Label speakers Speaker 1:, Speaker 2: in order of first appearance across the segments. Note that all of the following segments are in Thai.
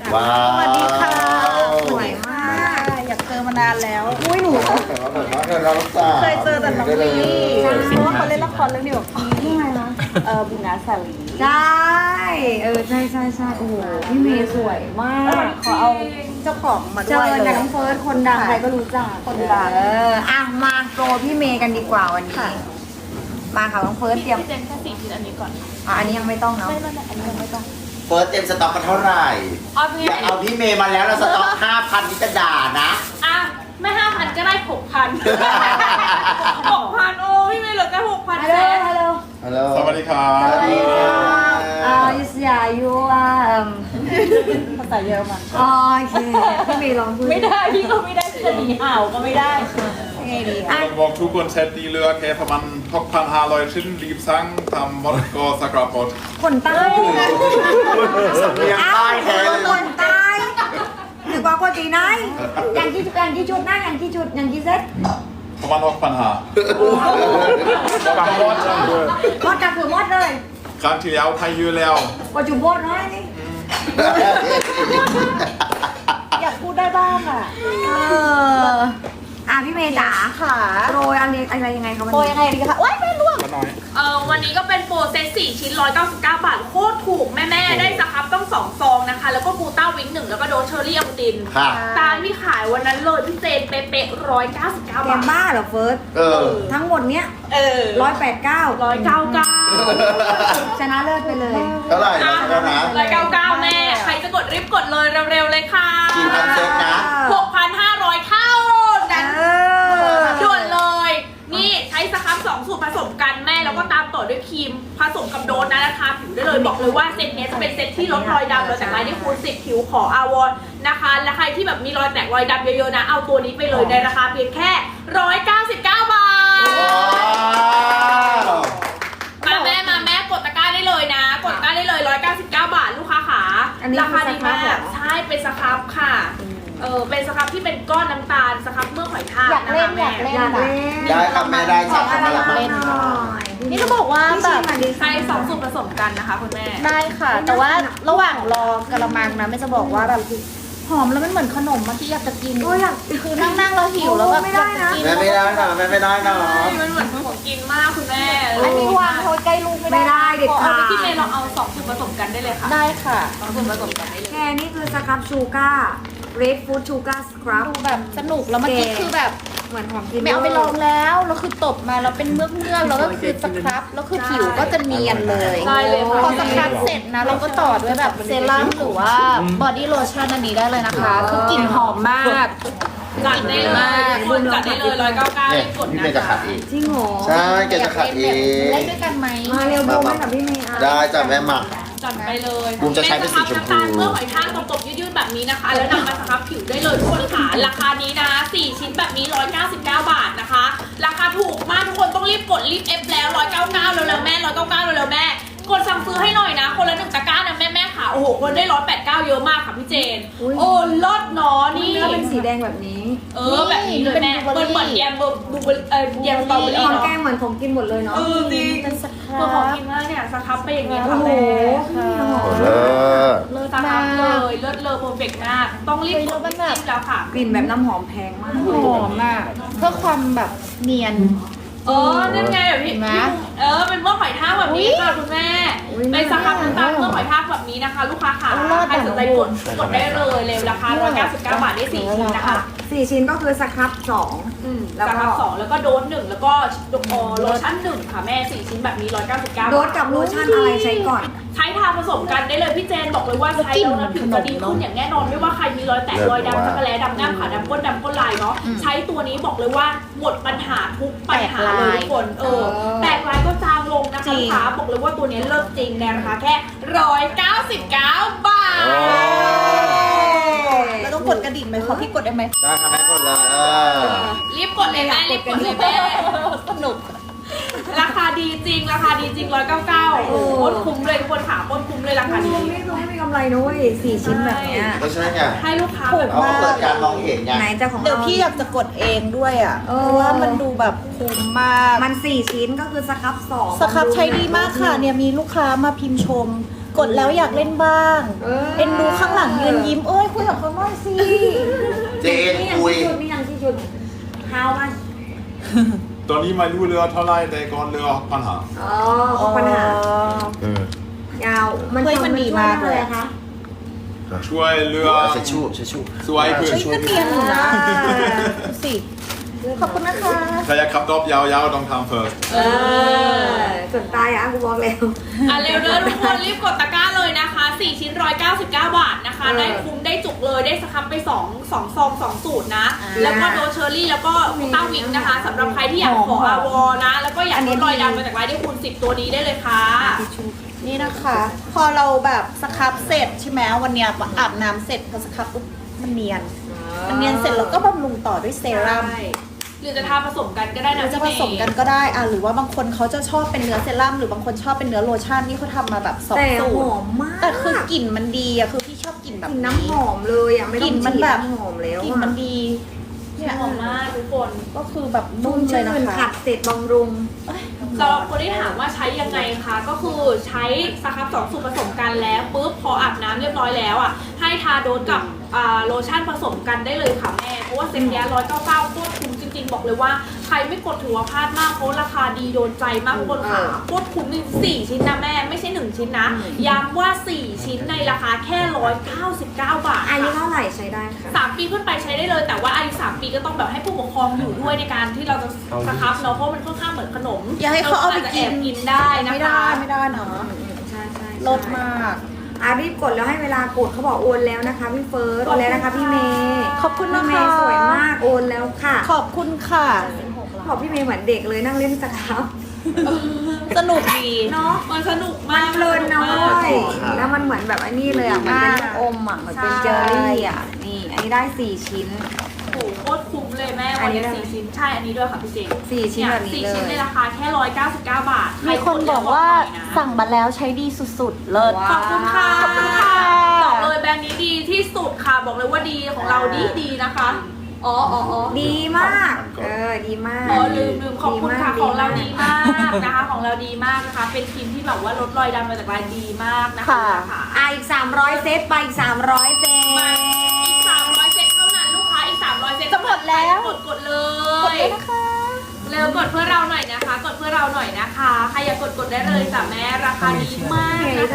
Speaker 1: ว้าว
Speaker 2: สวัสดีค่ะสวยมากอยากเจอมานานแล้วอุ้ยหนูเคยเจอแต่น้องลีเพราะว่าเขาเล่นละครเรื่องเดียวกับพี่ไงนะบุญนาสาลี
Speaker 3: ใช่ใช่โอ้โหพี่เมย์สวยมาก
Speaker 2: ขอเอาเจ้าของมา
Speaker 3: เจ
Speaker 2: ด้วย
Speaker 3: อ
Speaker 2: เลย
Speaker 3: กับน้องเฟิร์สคนดังใครก็รู้จัก
Speaker 2: คนดัง
Speaker 3: อ่ะมาโปรพี่เมย์กันดีกว่าวันนี้มาค่ะน้องเฟิร์สเตรียม
Speaker 2: พี่เจนแค่4 ชิ้นอันนี้ก่อน
Speaker 3: อันนี้ยังไม่ต้องเนาะ
Speaker 2: ไม่อันนี้ยังไม่ต้อง
Speaker 1: เฟิร์สเต็มสต็อกกันเท่าไหร่
Speaker 2: เอาไป
Speaker 1: อย่าเอาพี่เมย์มาแล้วเราสต็อก 5,000นี่จะด่านะ
Speaker 2: อ่ะไม่ 5,000 ก็ได้ 6,000 6,000 โอ้พี่ไม่เหลือแค่ 6,000
Speaker 3: ฮัล
Speaker 2: เซ
Speaker 3: โหล
Speaker 2: ต
Speaker 3: ฮัลโหล
Speaker 1: ฮัลโหล
Speaker 4: สวัสดีครับ
Speaker 3: สวัสดีค่ะยูสยายู
Speaker 2: ภาษาเยอรมัน
Speaker 3: โอเคพี่เมย์ลองพูด
Speaker 2: ไม่ได้พี่ก็ไม่ได้จะหนีห่าวก็ไม่ได้ไงดี
Speaker 4: Jag var tog en set i lök för man hoppar här och skinn livsang tam morg och sakra bort.
Speaker 3: คนใต้
Speaker 1: สำเนียงใต้แท้เลย
Speaker 3: คนใต้หรือว่าคนที่ไหนอย่างที่ชุดนะอย่างที่เซ็ต
Speaker 4: Och man hoppar här.
Speaker 3: มดกับผือมดเลย
Speaker 4: Kran till jag har ju leo.
Speaker 3: ก็จุบดน้อยนี่
Speaker 2: อยากพูดได้บ้างอ่ะ
Speaker 3: พี่เมย์จ๋า
Speaker 2: ค่ะ
Speaker 3: โรยอะไรยังไงคะวัน
Speaker 2: โปร
Speaker 3: นี้
Speaker 2: ยังไงดีคะว้ายไม่ร่วง
Speaker 5: วันนี้ก็เป็นโปรเซต4 ชิ้น 199 บาท โคตรถูกแม่ๆ ได้สครับต้อง2 ซองนะคะ แล้วก็กูต้าวิง1แล้วก็โดสเชอรี่อะบูติน
Speaker 1: ค่ะ
Speaker 5: ตามที่ขายวันนั้นเลยพี่เจนเป๊ะๆ199
Speaker 3: แก
Speaker 5: บาท
Speaker 3: บ้าเหรอเฟิร์ส
Speaker 1: เออ
Speaker 3: ทั้งหมดเนี้ย 189
Speaker 5: 199
Speaker 3: ชนะเลิศไปเลย
Speaker 1: เท่าไหร่นะเท่าไหร่นะ
Speaker 5: 199 แม่ ใครจะกดรีบกดเลยเร็วๆเลยค่ะ
Speaker 1: กี่พันเซตนะ
Speaker 5: 6,500 เท่านั้น ด่วนเลย นี่ใช้สครับ2 สูตรผสมกันแม่แล้วก็ตามต่อด้วยครีมผสมกับโดสนะราคาผิวได้เลยบอกเลยว่าเซตนี้จะเป็นเซตที่ลดรอยดำรอยแตกลายได้คูณ10ผิวขออาวอนนะคะและใครที่แบบมีรอยแตกรอยดำเยอะๆนะเอาตัวนี้ไปเลยในราคาเพียงแค่199 บาท
Speaker 1: ว้าว
Speaker 5: มาแม่กดตะกร้าได้เลยนะ กดตะกร้าได้เลย199 บาทลูกค้าขา
Speaker 3: อันนี้
Speaker 5: ราคาดี
Speaker 3: คือสครับ
Speaker 5: มา
Speaker 3: เหร
Speaker 5: ก
Speaker 3: อ
Speaker 5: ใช่เป็นสครับค่ะเป็นสครับที่เป็นก้อนน้ำตาลสครับเมื่อหอยทาก
Speaker 2: อยาก
Speaker 5: นะ
Speaker 2: เล่
Speaker 5: คะ
Speaker 2: น
Speaker 5: แม่
Speaker 2: อยากเล่น
Speaker 1: ได้ครับแม่ได้จับมาละมั้ง
Speaker 2: นี่เขาบอกว่าแบบ
Speaker 5: ใช้2 สูตรผสมกันนะคะคุณแม่
Speaker 2: ได้ค่ะ แต่ว่าระหว่างรอกระมังนะไม่จะบอกว่าแบบหอมแล้วมันเหมือนขนมมาที่อยากจะกิน
Speaker 3: โอ้ยอยาก
Speaker 2: คือนั่งเราหิวแล้วแบบ
Speaker 3: ไม่ได้นะ
Speaker 2: อยากจกิ
Speaker 1: แม่ไม่ได้นะแม่ไม่ได้นะ
Speaker 5: มันเหมือนของกินมากคุณแม่
Speaker 2: อันนี้วางเขาใกล้ลูกไม่
Speaker 3: ไม่ได้
Speaker 2: ได้
Speaker 3: เด็ดขาด
Speaker 5: พี่เมย์ลองเอา2 สูตรผสมกันได้เลยค่ะ
Speaker 2: ได้ค่ะ
Speaker 5: 2 สูตรผสมกันได้เลย
Speaker 3: แค่นี้คือสครับชูการ์เรดฟู้ดชูการ์สครับ
Speaker 2: ดูแบบสนุกแล้วเมื่อกี้คือแบบ
Speaker 3: เหมือนของกิน
Speaker 2: ไม่เอาไปลองแล้วแล้วคือตบมาแล้วเป็นเมือกแล้วก็คือสครับแล้วคือผิวก็จะเนียนเลย
Speaker 5: ได้เลยค่ะ
Speaker 2: พอสครับเสร็จนะเราก็ต่อด้วยแบบเซรั่มหรือว่าบอดี้โลชั่นอันนี้ได้เลยนะคะ คือกลิ่นหอมมาก
Speaker 5: จัดได้เลยทุกคนจัดได้เลย199
Speaker 1: เนี่ย
Speaker 5: รีบกด
Speaker 1: พี่
Speaker 5: นะ
Speaker 1: เมย์จะขั
Speaker 5: คะ
Speaker 1: ดเอง
Speaker 3: จริงเหรอ
Speaker 1: ใช่แกจะขัดเอง
Speaker 2: เล่นด้วยกันไหม
Speaker 3: มาเร็วดูให้กับพี่เมย์อ่ะ
Speaker 1: ได้จ้ะแม่มา
Speaker 5: จัดไปเลย
Speaker 1: บูมจะใช้เป็นสีชมพู
Speaker 5: เป็นสครับน้ำตาลเมื่อหอยทากตบๆยืดๆแบบนี้นะคะ แล้วนำมาสครับผิวได้เลยทุกคนค่ะราคานี้นะ4 ชิ้นแบบนี้199 บาทนะคะ ราคาถูกมากทุกคนต้องรีบกดรีบเอฟแล้ว199เร็วๆแม่199เร็วๆแม่กดสั่งซื้อให้หน่อยนะ คนละ1 ตะกร้านะแม่ค่ะโอ้โหคนได้189เยอะมากค่ะพี่เจนโอ้ลดเนาะนี่
Speaker 3: เนื้อเป็นสีแดงแบบนี้
Speaker 5: แบบนี้เลยแม่เหมือนแยมบูแยมสตรอเบอรี่
Speaker 3: ของ
Speaker 5: เนาะ
Speaker 3: แกงเหมือนของกินหมดเลยเนาะ
Speaker 5: จริง
Speaker 2: เป็นสค
Speaker 5: เมื่อของ
Speaker 2: รับ
Speaker 5: กินมากเนี่ยสครับไปอย่างนี้
Speaker 3: โอ้
Speaker 5: ค่ะ
Speaker 3: โห
Speaker 5: แม่
Speaker 1: โอ้เลิศ
Speaker 2: เลิศ
Speaker 5: สค
Speaker 2: มา
Speaker 5: รับเล
Speaker 2: ก
Speaker 5: ยเลิศเลอโปรเฟกมากต้องรีบกดรีบแล้วค่ะ
Speaker 3: กลิ่นแบบน้ำหอมแพงมาก
Speaker 2: หอมอ่ะเพื่อความแบบเนียน
Speaker 5: นั่นไงแบบพี่
Speaker 2: เห็นไหม
Speaker 5: เป็นเมื่อหอยทากแบบนี้ค่ะคุณแม่
Speaker 3: อุ๊ย
Speaker 5: เป็นสครับน้ำตาลเมื่อหอยทากแบบนี้นะคะ ลูกค้าค่ะ
Speaker 2: เอารอด
Speaker 5: ใครสนใจกดได้เลยเร็วราคา199 บาทได้4 ชิ้นนะคะ
Speaker 3: 4 ชิ้นก็คือสครับ2
Speaker 5: สครับ2แล้วก็โดส1แล้วก็โลชั่น1ค่ะแม่4 ชิ้นแบบนี้199
Speaker 3: โดสกับโลชั่นอะไรใช้ก่อน
Speaker 5: ใช้ทาผสมกันได้เลยพี่เจนบอกเลยว่าใช้แล้วนะผิวจะดีขึ้นอย่างแน่นอนไม่ว่าใครมีรอยแตกรอยดำช็อกโกแลตดำหน้าขาดำก้นดำก้นลายเนาะใช้ตัวนี้บอกเลยว่าหมดปัญหาทุกปัญหาเลยทุกคนแตกลายก็จางลงนะคะลูกค้าบอกเลยว่าตัวนี้เลิศจริงในราคาแค่199 บาท
Speaker 2: แล้วต้องกดกระดิ่งไหมขอพี่กดได้ไหม
Speaker 1: ได้ค่ะแม่กดเลย
Speaker 5: รีบกดเลยแม่รีบกดเลยแม่
Speaker 2: สนุก
Speaker 5: ราคาดีจริง199ป้นคุ้มเลยทุกคนค่ะป้นคุ้มเลยราคาดี
Speaker 3: ไม่รู้ไม่มีกำไรนะเว้ย4 ชิ้นแบบเนี้ย
Speaker 1: ก็ใช่ไง
Speaker 5: ให้ลูกค้า
Speaker 1: เราก็เปิดการมองเห็นไง
Speaker 3: ไหนจะของ
Speaker 2: เดี๋ยว
Speaker 3: เรา
Speaker 2: พี่อยากจะกดเองด้วยอ่ะ
Speaker 3: เอ
Speaker 2: เพ
Speaker 3: อ
Speaker 2: ราะว่ามันดูแบบคุ้มมาก
Speaker 3: มัน4 ชิ้นก็คือสครับ2
Speaker 2: สครับใช้ดีมากค่ะเนี่ยมีลูกค้ามาพิมพ์ชมกดแล้วอยากเล่นบ้างเอ็นดูข้างหลังยืนยิ้มเอ้ยคุยกับเขาหน่อยสิ
Speaker 1: เจนคุย
Speaker 3: นี่ยังที่ชุดเท้ามัน
Speaker 4: ตอนนี้ไม่รู้เรือเท่าไรแต่ก่อนเรือปัญหา
Speaker 3: อ๋อปัญหา ยาวมันดีมากเลยคะ
Speaker 4: ช่วยเรือ
Speaker 1: เช็ดชู่เช็ดชู่
Speaker 4: สวยขึ้น
Speaker 2: เฮ้ยก็เนียนอยู่นะดูสิขอบคุณนะคะ
Speaker 4: ใครอยากขับรถยาวๆต้องทำ first
Speaker 3: ส่วนตายอ่ะกูบอกแล้ว
Speaker 5: อ่ะเร็วเด้อทุกคนรีบกดตะกร้าเลยนะคะ4ชิ้น199 บาทนะคะได้คุ้มได้จุกเลยได้สครับไป2ซอง2สูตรนะแล้วก็โดเชอรี่แล้วก็คูต้าวิงนะคะสำหรับใครที่อยากขออาวอนะแล้วก็อยากลดรอยดำมาจากลายได้คูณ10ตัวนี้ได้เลยค่ะ
Speaker 2: นี่นะคะ พอเราแบบสครับเสร็จใช่ไหมวันเนี้ยอาบน้ำเสร็จพอสครับปุ๊บมันเนียนเสร็จแล้วก็บำรุงต่อด้วยเซรั่ม
Speaker 5: ใช่หรือจะทาผสมกันก็ได้
Speaker 2: หรื
Speaker 5: นะ
Speaker 2: อจะผสมกันก็ได้หรือว่าบางคนเขาจะชอบเป็นเนื้อเซรั่มหรือบางคนชอบเป็นเนื้อโลชั่นนี่เขาทำมาแบบ2
Speaker 3: แต่
Speaker 2: สู
Speaker 3: ห
Speaker 2: ตร
Speaker 3: อมมาก
Speaker 2: แต่คือกลิ่นมันดีอะคือพี่ชอบกลิ่นแบบ
Speaker 3: กลิ่นน้ำหอมเลยอ่ะไม่ต้อง
Speaker 2: กลิ่นมันแบบ
Speaker 3: ฉีดน้ำหอมแล้ว
Speaker 2: กลิ่นมันดี
Speaker 5: หอมมากทุกคน
Speaker 2: ก็คือแบบ
Speaker 3: นุ่
Speaker 2: นุ่
Speaker 3: ม
Speaker 2: มเล
Speaker 3: ชื่
Speaker 2: ย
Speaker 3: น
Speaker 2: นะคะ
Speaker 3: ขัดเสร็จบำรุง
Speaker 5: สำหรับคนที่ถามว่าใช้ยังไงคะก็คือใช้สครับ2สูตรผสมกันแล้วปุ๊บพออาบน้ำเรียบร้อยแล้วอ่ะให้ทาโดนกับโลชั่นผสมกันได้เลยค่ะแม่เพราะว่าเซ็ตเนี้ย199โคตรคุ้มจริงๆบอกเลยว่าใครไม่กดถือว่าพลาดมากเพราะราคาดีโดนใจมากทุกคนค่ะโคตรคุ้มจริง4ชิ้นนะแม่ไม่ใช่1ชิ้นนะย้ำว่า4ชิ้นในราคาแค่199 บาท
Speaker 3: อายุเท่าไหร่ใช้ได้ค่ะ
Speaker 5: 3 ปีขึ้นไปใช้ได้เลยแต่ว่าอายุ3 ปีก็ต้องแบบให้ผู้ปกครองอยู่ด้วยในการที่เราจะสครับเนาะเพราะมันค่อนข้างเหมือนขนม
Speaker 2: อย่าให้เขาเอาไปกิน
Speaker 5: รจจะแอบกินได้นะ
Speaker 2: ไม่ได้
Speaker 5: คะ
Speaker 2: ไม่ได้เนาะ
Speaker 3: ใช่
Speaker 2: ลดมาก
Speaker 3: รีบกดแล้วให้เวลากดเขาบอกโอนแล้วนะคะพี่เฟิร์สโอนแล้วนะคะพี่เมย์
Speaker 2: ขอบคุณนะคะ
Speaker 3: พี่เมย์สวยมากโอนแล้วค่ะ
Speaker 2: ขอบคุณค่ะ
Speaker 3: บอกพี่เมย์เหมือนเด็กเลยนั่งเล่นสครับ
Speaker 2: สนุกดี
Speaker 3: เนาะ
Speaker 5: มันสนุกมาก
Speaker 3: เพลินนะ
Speaker 5: ส
Speaker 3: เว้
Speaker 5: กมาก
Speaker 3: ยแล้วมันเหมือนแบบอันนี้เลยอ่ะมันเป็นลูกอมอ่ะมันเป็นเจอรี่อ่ะนี่อันนี้ได้4ชิ้น
Speaker 5: โอ้โหโคตรคุ้มเลยแม่
Speaker 3: อั
Speaker 5: วัน น
Speaker 3: นี้
Speaker 5: นี้
Speaker 3: ได้ไหม
Speaker 5: 4 ชิ้นใช่อันนี้ด้วยค่ะพี่เจน
Speaker 3: 4ชิ้นแบบนี้
Speaker 5: 4
Speaker 3: เล
Speaker 5: ชิ้นใน
Speaker 3: ย
Speaker 5: ราคาแค่199 บาท
Speaker 2: มีคนบอกว่าสั่งมาแล้วใช้ดีสุดๆ เลิศ
Speaker 5: ขอบคุณค่ะ
Speaker 2: ขอบคุณค่ะ
Speaker 5: บอกเลยแบรนด์นี้ดีที่สุดค่ะบอกเลยว่าดีของเราดีนะคะอ๋อ
Speaker 3: ดีมากดีมาก
Speaker 5: อ๋อลืมขอบคุณค่ะ
Speaker 3: ดี
Speaker 5: ของเรา
Speaker 3: มาก
Speaker 5: ดีมากนะคะของเราดีมากนะคะ เป็นครีมที่แบบว่าลดรอยดำมาจากลายดีมากนะคะค่ะ
Speaker 3: อีก300เซตไปอีก300เซต
Speaker 5: อีก300 เซตเท่านั้นลูกค้าอีก300 เซต
Speaker 2: จะหมดแล้ว
Speaker 5: กดเล
Speaker 2: กด
Speaker 5: ย
Speaker 2: เลยนะคะ
Speaker 5: เร็วกดเพื่อเราหน่อยนะคะ กดเพื่อเราหน่อยนะคะใครอยากกดได้เลยจ้ะแม่ราคาดีมากนะคะ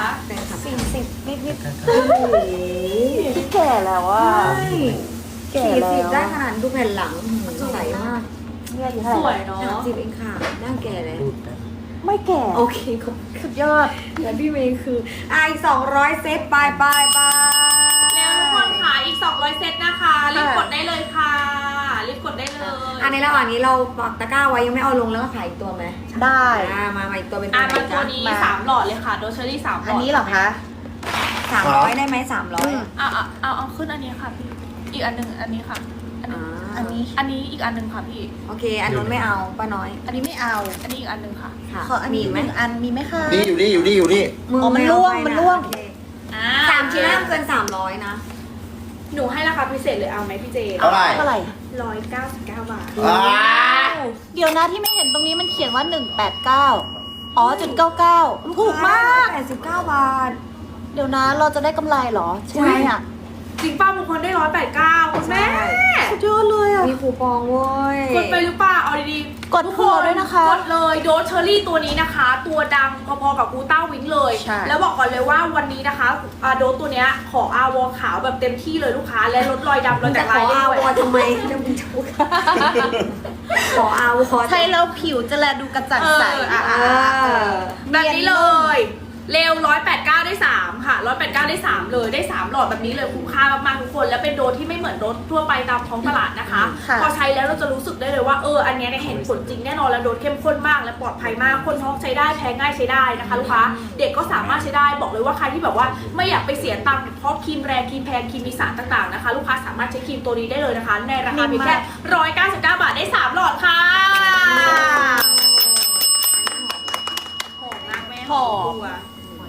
Speaker 2: 40นิดๆที่แก่แล้วอ่ะ แก่แล้ว
Speaker 3: 40ได้ขนาดดูแผ่นหลังใสมาก
Speaker 2: เนี่ยอยู่
Speaker 5: ส
Speaker 2: เท่าไห
Speaker 5: ว
Speaker 2: ร่
Speaker 5: ยเนาะ
Speaker 3: 30เองค่ะน่าแก่แล้ว
Speaker 2: ไม่แก่
Speaker 3: โอเคขอบ
Speaker 2: สุดยอด
Speaker 3: คุณพี่เมย์คืออีก200เซตไป
Speaker 5: เร็วทุกคนค่ะอีก200 เซตนะคะรีบกดได้เลยค่ะรีบกดได้เลย
Speaker 3: อันนี้ระหว่างนี้เราปักตะกร้าไว้ยังไม่เอาลงแล้วก็ขายอีกตัวไหม
Speaker 2: ได้
Speaker 3: มาอีกตัวเป็นตัว
Speaker 5: อ่ะ
Speaker 3: ไหน
Speaker 5: มาตัว
Speaker 3: จ๊ะ
Speaker 5: นี้
Speaker 2: มา
Speaker 5: 3 หลอดเลยค่ะโดเชอรี่3 หลอด
Speaker 2: อันนี้เหรอคะ
Speaker 3: 300ได้ไหม300
Speaker 5: เอาขึ้นอันนี้ค่ะพี่อีกอันหนึ่งอันนี้ค่ะ
Speaker 2: อันนี้
Speaker 5: อันนี้อีกอันหนึ่งค่ะพี่
Speaker 3: โอเค อันนู้นไม่เอาป้าน้อย
Speaker 2: อันนี้ไม่เอา
Speaker 5: อันนี้อีกอันหนึ่งค่ะ
Speaker 3: ค่ะ
Speaker 2: ขออันนี้
Speaker 3: มีไหม
Speaker 2: 1 อันมีไหมคะ
Speaker 1: นี่อยู่นี่อยู่นี่อยู่นี่
Speaker 2: อ๋อมันร่วง
Speaker 3: ไเอาไปะ
Speaker 2: มันร่วง
Speaker 3: โอเค
Speaker 5: อ่า
Speaker 3: 3ชิ้นห้ามเกิน300นะ
Speaker 5: หนูให้ราคาพิเศษเลยเอาไหมพี่เจ
Speaker 1: เท่าไหร่
Speaker 2: เท่าไหร่
Speaker 5: 199 บาท
Speaker 1: ว้า
Speaker 2: เดี๋ยวนะที่ไม่เห็นตรงนี้มันเขียนว่า 189 อ๋อ.99 ถูกมาก
Speaker 3: 89 บาท
Speaker 2: เดี๋ยวนะเราจะได้กำไรเหรอ ใช่ไหมอ่ะ
Speaker 5: จริงป้าบางคนได้189คุณแม่
Speaker 2: สุดยอดเลยอ่ะ
Speaker 3: มีคูปองเว้ย
Speaker 5: กดไปหรือเปล่าเอาดีๆ
Speaker 2: กด
Speaker 5: ทุ
Speaker 2: เผื่อด้วยนะคะ
Speaker 5: กดเลยโดสเชอรี่ตัวนี้นะคะ ตัวดังพอๆกับกูต้าวิงเลย
Speaker 2: ใช่
Speaker 5: แล้วบอกก่อนเลยว่าวันนี้นะคะโดสตัวเนี้ยขออาวอขาวแบบเต็มที่เลยลูกค้าและลดรอยดำรอย
Speaker 3: จะ
Speaker 5: แตก
Speaker 3: ข
Speaker 5: ลา
Speaker 3: อย
Speaker 5: ได้
Speaker 3: อาว
Speaker 5: ด้วย
Speaker 3: อทำไมจะเป็นทุกข์ขออาวอ
Speaker 2: ใช้แล้วผิวจะแลดูกระจ่างใส
Speaker 5: แบบนี้เลย เร็ว189ได้3ค่ะ189ได้3เลยได้3หลอดแบบนี้เลยคุ้มค่ามากๆทุกคนแล้วเป็นโดสที่ไม่เหมือนโดสทั่วไปตามท้องตลาดนะคะ พอใช้แล้วเราจะรู้สึกได้เลยว่าอันเนี้ยเนี่ยเห็นผลจริงแน่นอนแล้วโดสเข้มข้นมากและปลอดภัยมากคนท้องใช้ได้แพ้ง่ายใช้ได้นะคะลูกค้าเด็กก็สามารถใช้ได้บอกเลยว่าใครที่แบบว่าไม่อยากไปเสียตังค์เพราะครีมแรงครีมแพงครีมมีสารต่างๆนะคะลูกค้าสามารถใช้ครีมตัวนี้ได้เลยนะคะในราคาเพียงแค่199 บาทได้3หลอดค่ะหอมมากแม่หอมตัว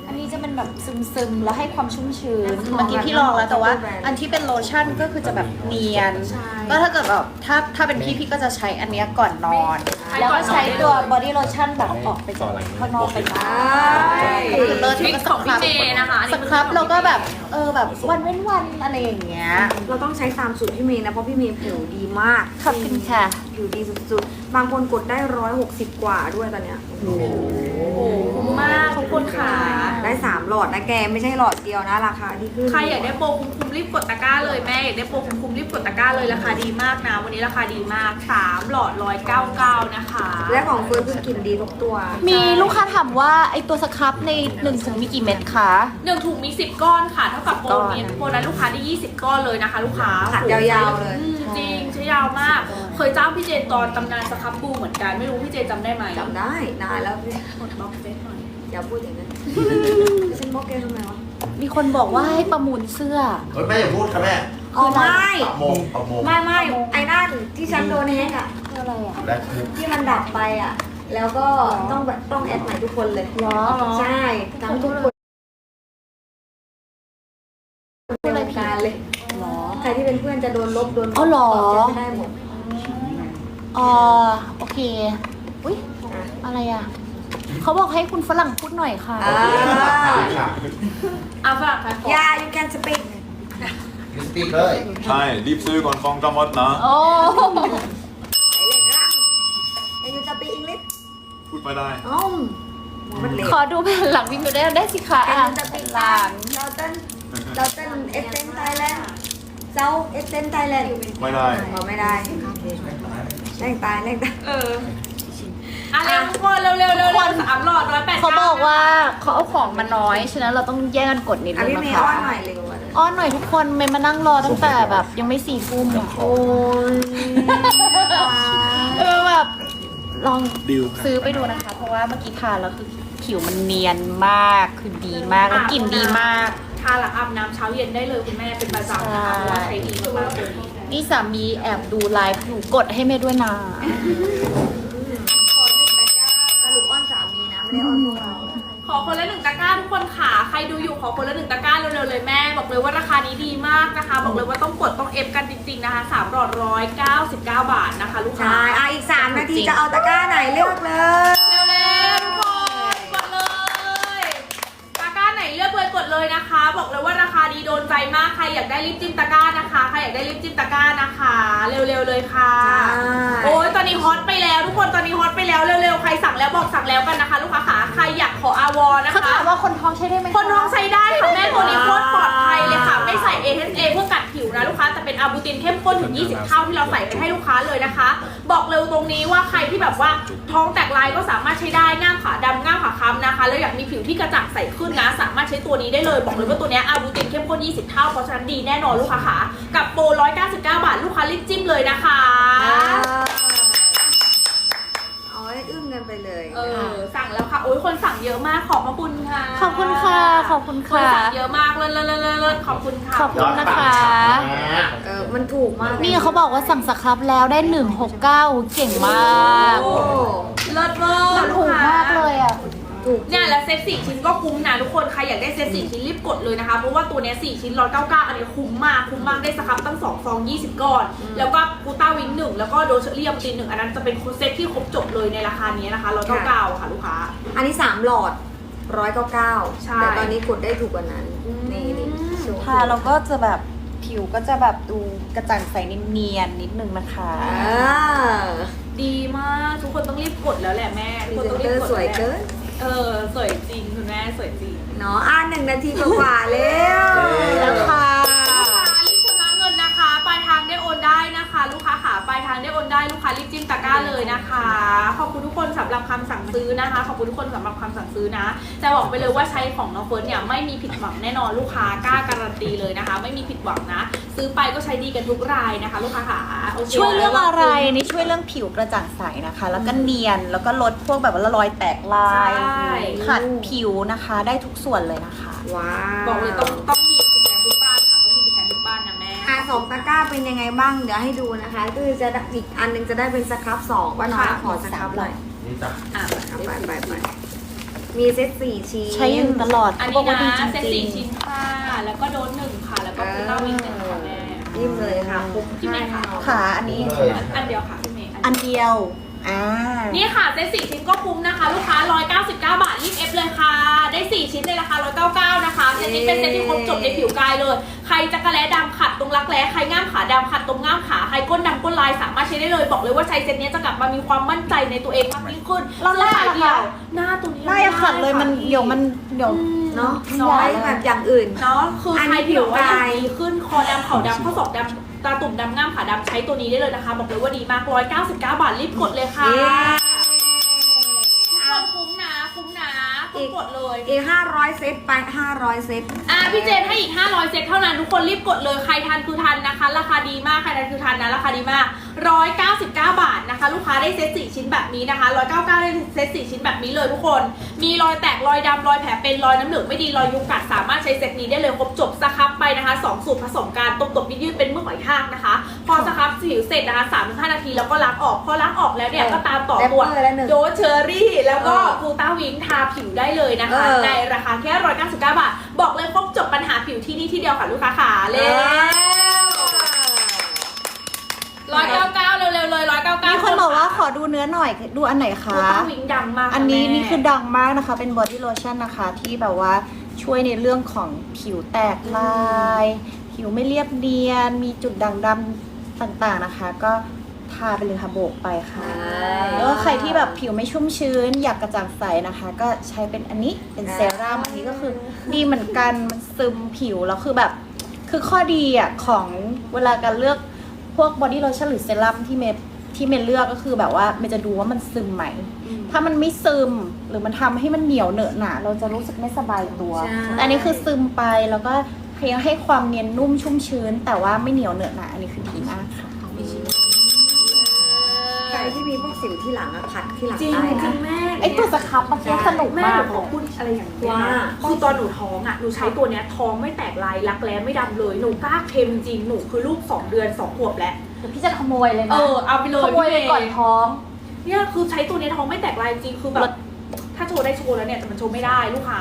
Speaker 2: อันนี้จะเป็นแบบซึมๆแล้วให้ความชุ่มชื้นเมื่อกี้พี่ลองแล้วแต่ว่า อันที่เป็นโลชั่นก็คือจะแบบเนียนก็ถ้าเกิดแบบถ้าเป็นพี่ก็จะใช้อันเนี้ยก่อนนอน แล้วก็ใช้ตัวบอดี้โลชั่นแบบออกไปจากข้างนอกไปบ้างคือเลิศ
Speaker 5: ทริค
Speaker 2: ก็
Speaker 5: ของพี่เมย์นะคะอัน
Speaker 2: ส
Speaker 5: นี้
Speaker 2: ครับเราก็แบบแบบวันเว้นวันอะไรอย่างเงี้ย
Speaker 3: เราต้องใช้ตามสูตรพี่เมย์นะ เพราะพี่เมย์ผิวดีมาก
Speaker 2: ขอบคุณค่ะ
Speaker 3: ผิวดีสุดๆ บางคนกดได้160 กว่าด้วยตอนเนี้ย
Speaker 5: โอ้โหคุ้มมากทุกคนค่ะ
Speaker 3: ได้ 3 หลอดนะแก ไม่ใช่หลอดเดียวนะ ราคาที่ขึ้น
Speaker 5: ใครอยากได้โปรคุ้มๆรีบกดตะกร้าเลยแม่อยากได้โปรคุ้มๆรีบกดตะกร้าเลยราคาดีมากนะ วันนี้ราคาดีมาก3หลอด199นะคะ
Speaker 3: และของเฟิร์นคือกลิ่นดีทุกตัว
Speaker 2: มีลูกค้าถามว่าไอตัวสครับใน1ถุงมีกี่เม็ดคะ
Speaker 5: 1ถุงมี10ก้อนค่ะเท่ากับโปรนี้โปรนั้นลูกค้าได้20ก้อนเลยนะคะ ลูกค้า
Speaker 3: ขัดยาวๆเลย
Speaker 5: จริงใช้ยาวมาก เคยจ้างพี่เจนตอนตำนานสครับบูเหมือนกันไม่รู้พี่เจนจำได้ไหม
Speaker 3: จำได้นานแล้วพี่
Speaker 5: กดบล็อกเฟซหน่อย
Speaker 3: อย่าพูดอย่างนั้นฉันบอกแกทำไมวะ
Speaker 2: มีคนบอกว่าให้ประมูลเสื้อ
Speaker 1: เฮ้ยแม่อย่าพูดค่ะแม่
Speaker 3: อ๋อไม่
Speaker 1: ปะโมงปะโมง
Speaker 3: ไม่ไอ้นั่นที่ฉันโดนแฮกอ่ะ
Speaker 2: คืออะไรอ่ะ
Speaker 1: และคือ
Speaker 3: ที่มันดับไปอ่ะ แล้วก็ต้องแอดใหม่ทุกคนเลย
Speaker 2: หรอ
Speaker 3: ใช่ทั้งทุกคนในวงการเลย
Speaker 2: หรอ
Speaker 3: ใครที่เป็นเพื่อนจะโดนลบโดน
Speaker 2: อ๋อเหรอ
Speaker 3: เซ็นไม่ได้หมด
Speaker 2: โอเค อุ้ยอะไรอ่ะ เขาบอกให้คุณฝรั่งพูดหน่อยค่ะ
Speaker 3: อ่า
Speaker 5: เอาฝรั่งค่ะ
Speaker 3: Yeah you can speak
Speaker 1: ยูสปีกเลย
Speaker 4: ใช่รีบซื้อก่อนฟองจะหมดนะ
Speaker 2: โอ้
Speaker 3: ไหนเล่นร่าง Can you speak English
Speaker 4: พูดไม่ได้
Speaker 3: อ้อมมันเล็ก
Speaker 2: ขอดูแผ่นหลังวิวได้สิคะ
Speaker 3: Can
Speaker 2: อ่ะ
Speaker 3: you
Speaker 2: แผ่
Speaker 3: speak
Speaker 2: นหลัง
Speaker 3: เราเต้นเอเซนไทยแลนด์เจ้าเอเซนไทยแลนด์
Speaker 4: ไม่ได้
Speaker 3: เราไม่ได้แรงตาย
Speaker 5: อ่ะเร็วทุกคนเร็ว3หลอด180
Speaker 2: เขาบอกว่าเขาเอาของมาน้อย ฉะนั้นเราต้องแย่งกันกดนิด
Speaker 3: อ่ะ
Speaker 2: นึง
Speaker 3: พี่
Speaker 2: นะ
Speaker 3: เมย์
Speaker 2: คะ
Speaker 3: อ้อนหน่อยเร็วอ่ะ
Speaker 2: อ้อนหน่อยทุกคนเมย์มานั่งรอตั้งแต่แบบยังไม่4 ทุ่มอ่ะโอ้ยแบบลองซื้อไปดูนะคะ เพราะว่าเมื่อกี้ทานแล้วคือผิวมันเนียนมากคือดีมากแล้วกลิ่นดีมาก
Speaker 5: ทาหลังอาบน้ำเช้าเย็นได้เลยคุณแม่เป็นประจำนะคะเพราะว่าใช้ดีมากๆเลย
Speaker 2: นี่สามีแอบดูไลฟ์หนูกดให้เมย์ด้วยนะ
Speaker 3: สรุปอ้อนสามีนะไม่ได้อ้อนพวกเรา
Speaker 5: ขอคนละ1ตะกร้าทุกคนค่ะใครดูอยู่ขอคนละ1ตะกร้าเร็วๆเลยแม่บอกเลยว่าราคานี้ดีมากนะคะ บอกเลยว่าต้องกดต้องเอฟกันจริงๆนะคะ3หลอด199 บาทนะคะลูกค้า
Speaker 3: ใช่อ่ะอีก3 นาทีจะเอาตะกร้าไหนเลือกเลย
Speaker 5: เร็วๆทุกคนกดเลยตะกร้าไหนเลือกเลยกดเลยนะคะ บอกเลยว่าราคาดีโดนใจมากใครอยากได้ลิปจิ้มตะกร้านะคะใครอยากได้ลิปจิ้มตะกร้านะคะ เร็วๆเลยค่ะ โอ้ยตอนนี้ฮอตไปแล้วทุกคนตอนนี้ฮอตไปแล้วเร็วๆใครสั่งแล้วบอกสั่งแล้วกันนะคะ ลูกค้าขาใครอยากขออาวอนะ
Speaker 2: เขา
Speaker 5: คะ
Speaker 2: ถามว่าคนท้องใช้ได้ไหมะ
Speaker 5: คนท้องใช้ได้ค่ะแม่ตัวนี้โคตรปลอดภัยเลยค่ะ ไม่ใส่ AHA เพื่อกัดผิวนะลูกค้าแต่เป็นอาบูตินเข้มข้นถึง 20 เท่าที่เราใส่ไปให้ลูกค้าเลยนะคะ บอกเร็วตรงนี้ว่าใครที่แบบว่าท้องแตกลายก็สามารถใช้ได้ง่ามขาดำง่ามขาค้ำนะคะแล้วอยากมีผิวที่กระจ่างใสขึ้นนะสามารถใช้ตัวนี้ได้เลยบอกเลยว่าตัวเนี้ยอาบูตินเข้มข้น 20 เท่าเพราะฉะนั้นดีแน่นอนลูกค้าขากับโปร199 บาทลูกค้ารีบจิ้มเลยนะคะ
Speaker 3: เอาให้อึ้งกันไปเลย
Speaker 5: สั่งแล้วค่ะโอ้ยคนสั่งเยอะมากขอบพระคุณค่ะ
Speaker 2: ขอบคุณค่ะ ขอบคุณ
Speaker 5: คน
Speaker 2: ค่ะ
Speaker 5: สั่งเยอะมากเลิศขอบคุณค่ะ
Speaker 2: ขอบคุณนะคะ
Speaker 3: มันถูกมาก
Speaker 2: นี่เขาบอกว่าสั่งสครับแล้วได้169เก่งมาก
Speaker 3: โอ้
Speaker 5: เลิศเวอร์
Speaker 2: มันถูกมากเลยอ่ะ
Speaker 3: ถูก
Speaker 5: เนี่ยแล้วเซต4ชิ้นก็คุ้มนะทุกคนใครอยากได้เซต4ชิ้นรีบกดเลยนะคะเพราะว่าตัวเนี้ย4ชิ้น199อันนี้คุ้มมากได้สครับตั้ง2 ซอง 20 ก้อน แล้วก็กูต้าวิง1แล้วก็โดเชอรี่ยมติน1อันนั้นจะเป็นเซตที่ครบจบเลยในราคานี้นะคะ199ค่ะลูกค้า
Speaker 3: อันนี้3หลอด199
Speaker 5: ใช่
Speaker 3: แต่ตอนนี้กดได้ถูกกว่านั้น นี่โชว์
Speaker 2: ทาเราก็จะแบบผิวก็จะแบบดูกระจ่างใสเนียนๆนิดนึงนะคะ
Speaker 5: ดีมากทุกคนต้องรีบกดแล้วแหละแม่
Speaker 3: พรี
Speaker 5: ทุกคน
Speaker 3: เซ
Speaker 5: ต้อน ง
Speaker 3: เต
Speaker 5: รี
Speaker 3: อบ ร์
Speaker 5: กด
Speaker 3: สวยเกิน
Speaker 5: สวยจริงคุณแม่สวยจริง
Speaker 3: เนาะ1 นาทีกว่าๆแล้ว
Speaker 2: แล้วค่ะ
Speaker 5: ลูกค้ารีบชำระเงินนะคะปลายทางได้โอนได้นะคะ ลูกค้าขาปลายทางได้โอนได้ลูกค้ารีบจิ้มตะกร้าเลยนะคะขอบคุณทุกคนสำหรับคำสั่งซื้อนะคะขอบคุณทุกคนสำหรับคำสั่งซื้อนะจะบอกไปเลยว่าใช้ของน้องเฟิร์นเนี่ยไม่มีผิดหวังแน่นอนลูกค้ากล้าการันตีเลยนะคะ ไม่มีผิดหวังนะ ซื้อไปก็ใช้ดีกันทุกรายนะคะ ลูกค้าขาโอเค
Speaker 2: ช่วยเรื่องอะไรนี่ช่วยเรื่องผิวกระจ่างใสนะคะ แล้วก็เนียนแล้วก็ลดพวกแบบว่ารอยแตกลายขัดผิวนะคะได้ทุกส่วนเลยนะคะ
Speaker 3: ว้าว
Speaker 5: บอกเลยต้องมีติดกันทุกบ้านค่ะต้องมีติดกันทุกบ้านนะแม่
Speaker 3: 2 ตะกร้าเป็นยังไงบ้าง เดี๋ยวให้ดูนะคะก็คือจะอีกอันหนึงจะได้เป็นสครับ2ว่าน้อยขอสครับหน่อย
Speaker 1: นี่จ้ะ
Speaker 5: อ่ะ
Speaker 3: ไปมีเซต4ชิ้น
Speaker 2: ใช้อยู่ตลอด
Speaker 5: อัน
Speaker 2: เขา
Speaker 5: นี้
Speaker 2: บอกว่า
Speaker 5: นะ
Speaker 2: ดีจ
Speaker 5: เซต
Speaker 2: ริง
Speaker 5: 4ชิ้นค่ะแล้วก็โดน1ค่ะแล้วก็คูต้าวิง1ค่ะแม่
Speaker 3: ยิ้มเลยค่ะคุ้ม
Speaker 5: ที่ไหนคะ
Speaker 2: ๆขาอันนี้
Speaker 1: เลย
Speaker 5: อันเดียวค่ะพี่เมย์
Speaker 2: อันเดียว
Speaker 5: นี่ค่ะเซต4ชิ้นก็คุ้มนะคะ ลูกค้า199 บาทรีบเอฟเลยค่ะได้4ชิ้นในราคา199นะคะเซตนี้เป็นเซตที่ครบจบในผิวกายเลยใครจักระแล้ดำขัดตรงรักแร้ใครง่ามขาดำขัดตรงง่ามขาใครก้นดำก้นลายสามารถใช้ได้เลยบอกเลยว่าใช้เซตนี้จะกลับมามีความมั่นใจในตัวเองมากยิ่งขึ้น
Speaker 2: เราหน้า
Speaker 5: สื้อ
Speaker 2: ล่ะ
Speaker 5: เดีย
Speaker 2: คะ
Speaker 5: วหน้าตัวนี้
Speaker 2: หน้ายังขัดเลยมันเดี๋ยวมันเดี๋ยว
Speaker 3: เนาะ
Speaker 2: น้
Speaker 3: น้
Speaker 2: อ
Speaker 3: อย ยแบบอย่างอื่น
Speaker 5: เนาะคืออน
Speaker 3: นี้
Speaker 5: ใครผิวว่า
Speaker 3: ผิวกาย
Speaker 5: ดีขึ้นคอดำเข่าดำข้อศอกดำตาตุ่มดำง่ามขาดำใช้ตัวนี้ได้เลยนะคะบอกเลยว่าดีมาก199 บาทรีบกดเลยค่ะ
Speaker 3: เย้
Speaker 5: ทุกคนคุ้มนะต้องกดเลย
Speaker 3: อีก500 เซตไป 500 เซต
Speaker 5: พี่เจนให้อีก500 เซตเท่านั้นทุกคนรีบกดเลยใครทันคือทันนะคะ ราคาดีมากใครทันคือทันนะราคาดีมาก199 บาทนะคะ ลูกค้าได้เซต4ชิ้นแบบนี้นะคะ199ได้เซต4ชิ้นแบบนี้เลยทุกคนมีรอยแตกรอยดำรอยแผลเป็นรอยน้ำเหลืองไม่ดีรอยยุงกัดสามารถใช้เซตนี้ได้เลยครบจบสครับไปนะคะ2สูตรผสมกันตบๆยืดๆเป็นเมื่อหอยทากนะคะพอสครับผิวเสร็จนะคะ 3-5 นาทีแล้วก็ล้างออกพอล้างออกแล้วเนี่ยก็ตามต่อตัวโดสเชอรี่แล้วก็กูต้าวิงทาผิวได้เลยนะคะในราคาแค่199 บาทบอกเลยครบจบปัญหาผิวที่นี่ที่เดียวค่ะลูกค้าขา199เร็วๆเลย199
Speaker 2: มีคนบอกว่าขอดูเนื้อหน่อยดูอันไหน
Speaker 5: กู
Speaker 2: คะ
Speaker 5: ต้าวิงดังมาก
Speaker 2: อันนี้
Speaker 5: แม่
Speaker 2: นี่คือดังมากนะคะ เป็นบอดี้โลชั่นนะคะ ที่แบบว่าช่วยในเรื่องของผิวแตกลาย ผิวไม่เรียบเนียน มีจุดด่างดำต่างๆนะคะ ก็ทาไปเลยค่ะโบกไปค่ะแล้วก็ใครที่แบบผิวไม่ชุ่มชื้น อยากกระจ่างใสนะคะ ก็ใช้เป็นอันนี้เป็นเซรั่มอันนี้ก็คือดีเหมือนกันมันซึมผิวแล้วคือแบบคือข้อดีอ่ะของเวลาการเลือกพวกบอดี้โลชั่นหรือเซรั่มที่เมย์เลือกก็คือแบบว่าเมย์จะดูว่ามันซึมไหม ถ้ามันไม่ซึมหรือมันทำให้มันเหนียวเหนอะหนะเราจะรู้สึกไม่สบายตัว แต่อันนี้คือซึมไปแล้วก็ยังให้ความเนียนนุ่มชุ่มชื้น แต่ว่าไม่เหนียวเหนอะหนะอันนี้คือดีมากค่ะ
Speaker 3: ใครที่มีพวกสิวที่หลังอะขัดที่หลัง
Speaker 5: จริง
Speaker 3: ได้
Speaker 5: จริ
Speaker 3: นะ
Speaker 5: งแม่
Speaker 2: ไอตัวสครับมันก็สนุก
Speaker 5: แม่
Speaker 2: มา
Speaker 5: ห
Speaker 2: ก
Speaker 5: นูขอพูดอะไรอย่างนี้
Speaker 3: ว่า
Speaker 5: นะคือตอนหนูท้องอ่ะหนูใช้ตัวเนี้ยท้องไม่แตกลายรักแร้ไม่ดำเลยหนูกล้าเค็มจริงหนูคือลูก2 เดือน2 ขวบแล้ว
Speaker 2: เดี๋ยวพี่จะขโมยเลยนะ
Speaker 5: เอาไปเลย
Speaker 2: ขโมยเลยก่อนท้อง
Speaker 5: เนี่ยคือใช้ตัวเนี้ยท้องไม่แตกลายจริงคือแบบถ้าโชว์ได้โชว์แล้วเนี่ยแต่มันโชว์ไม่ได้ลูกค้า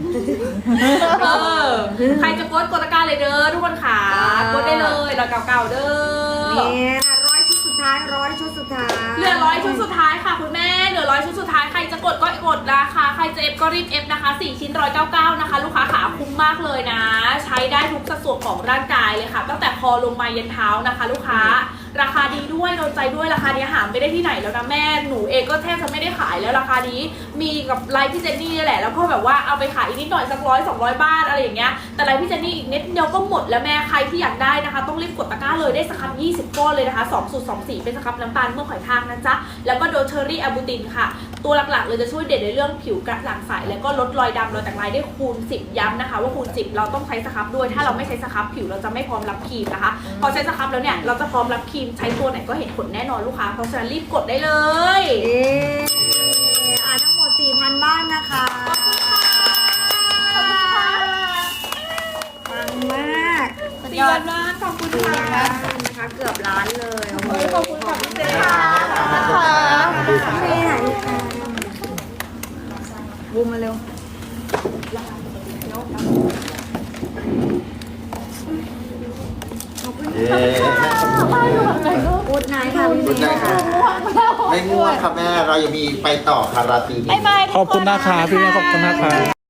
Speaker 5: ใครจะกดตะกร้าเลยเด้อทุกคนขากดได้เลย199เด้อ
Speaker 3: เนี่ย100 ชุดสุดท้าย100 ชุดสุดท้าย
Speaker 5: เหลือ100 ชุดสุดท้ายค่ะคุณแม่เหลือ100 ชุดสุดท้ายใครจะกดก็กดนะคะใครจะเอฟก็รีบเอฟนะคะ4 ชิ้น199นะคะลูกค้าขาคุ้มมากเลยนะ ใช้ได้ทุกสัดส่วนของร่างกายเลยค่ะตั้งแต่คอลงมายันเท้านะคะ ลูกค้าราคาดีด้วยโดนใจด้วยราคานี้หาไม่ได้ที่ไหนแล้วนะแม่หนูเองก็แทบจะไม่ได้ขายแล้วราคานี้มีกับไลฟ์พี่เจนนี่นี่แหละแล้วก็แบบว่าเอาไปขายอีกนิดหน่อยสัก100-200 บาทอะไรอย่างเงี้ยแต่ไลฟ์พี่เจนนี่อีกนิดเดียวก็หมดแล้วแม่ใครที่อยากได้นะคะต้องรีบกดตะกร้าเลยได้สครับ20 ก้อนเลยนะคะ2 สูตร 2 สีเป็นสครับน้ำตาลเมื่อหอยทากนะจ๊ะแล้วก็โดเชอรี่อะบูตินค่ะตัวหลักๆเลยจะช่วยเด่นในเรื่องผิวกระจ่างใสแล้วก็ลดรอยดำรอยแตกลายได้คูณ10ย้ำนะคะว่าคูณ10เราต้องใช้สครับด้วยถ้าเราไม่ใช้สครับผิวเราจะไม่พร้อมรับครีมนะคะพอใช้สครับแล้วเนี่ยเราจะพร้อมรับครีมใช้ตัวไหนก็เห็นผลแน่นอนลูกค้าเพราะฉะนั้นรีบกดได้เลย
Speaker 3: ทั้งหมด 4,000 บ้านนะคะ
Speaker 5: ขอบคุณค่ะ
Speaker 3: ปังมาก
Speaker 5: ดีมากขอบคุณค่ะ
Speaker 3: นะคะเกือบล้านเลยโอ้โห
Speaker 5: ขอบคุณค่ะพี่เจนค่ะ
Speaker 3: ไม่ไหนบูมมาเร็ว
Speaker 1: เย้
Speaker 3: พูดนายค่ะพี่
Speaker 1: พูดได้ค่ะไม่ง่วงค่ะแม่เรายังมีไปต่อค่ะราตรีนี้
Speaker 2: บ๊ายบายทุกน
Speaker 6: ขอบคุณนะคะพี่แม่ขอบคุณนะคะ